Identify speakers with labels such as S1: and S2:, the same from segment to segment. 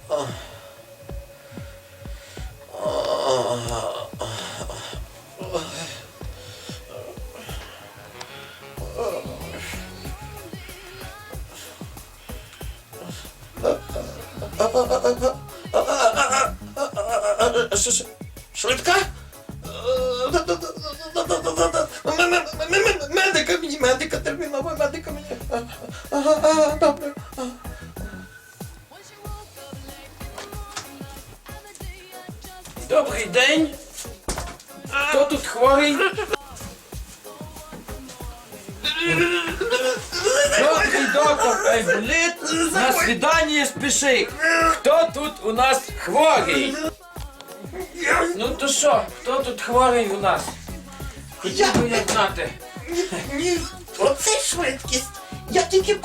S1: Швидка? Медика, терміново, медика мені. Добре.
S2: Добрий день. Хто тут хворий? Добрий доктор Айболіт. На свидання спіши. Хто тут у нас хворий? Ну то що, хто тут хворий у нас? Хотів би я знати.
S1: Ні, оце швидкість. Я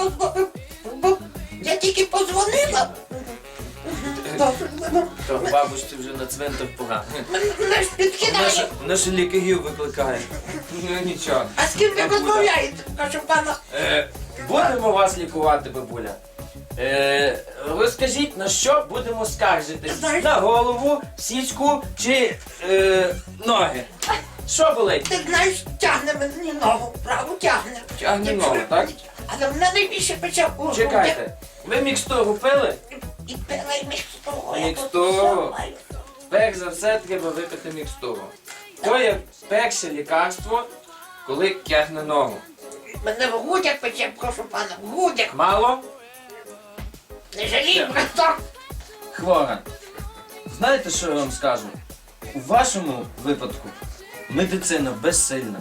S1: тільки позвонила. Добре,
S2: То бабусі вже на цвинтар пора.
S1: мене ж підкидає.
S2: Наші лікарів викликає. Ну нічого.
S1: А з ким ви розмовляєте? Кажу, пана.
S2: Будемо вас лікувати, бабуля. Розкажіть, на що будемо скаржитись?
S1: Знаєш-
S2: На голову, сіську чи ноги? Що болить?
S1: Ти знаєш, тягне мені ногу, праву тягне.
S2: Тягне
S1: Якщо-
S2: ногу, так?
S1: Але мене найбільше пече у грудях.
S2: Чекайте, ви мікстуру пили?
S1: І пила, і мікстуру.
S2: Мікстуру. Перш за все треба випити мікстуру. То є перше лікарство, коли тягне ногу.
S1: Мене в грудях пече, прошу пана, в грудях.
S2: Мало?
S1: Не жалій, браток.
S2: Хвора. Знаєте, що я вам скажу? У вашому випадку медицина безсильна.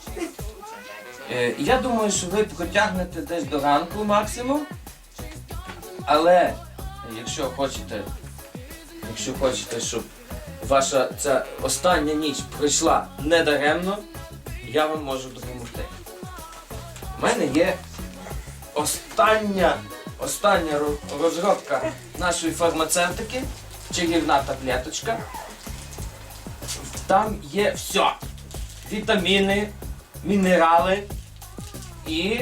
S2: Я думаю, що ви протягнете десь до ранку максимум. Але якщо хочете, щоб ваша ця остання ніч пройшла недаремно, я вам можу допомогти. У мене є остання розробка нашої фармацевтики, чарівна таблеточка. Там є все. Вітаміни, мінерали і...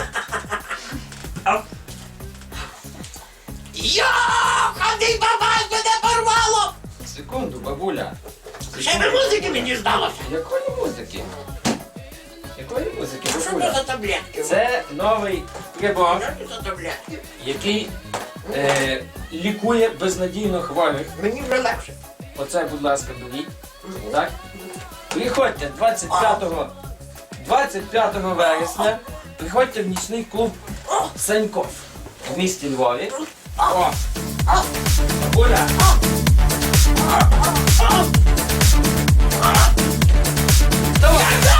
S1: Йо, ходи, бабай, мене порвало!
S2: Секунду, бабуля.
S1: Ще ви музики мені здалося.
S2: Якої музики? Якої музики,
S1: Що це
S2: бабуля?
S1: за таблетки?
S2: Це новий прибор,
S1: Що це за таблетки?
S2: який лікує безнадійно хворих.
S1: Мені вже легше.
S2: Оце, будь ласка, беріть. Так? Приходьте 25 вересня. Приходьте в нічний клуб Саньков в місті Львові. О! Бабуля! Давай!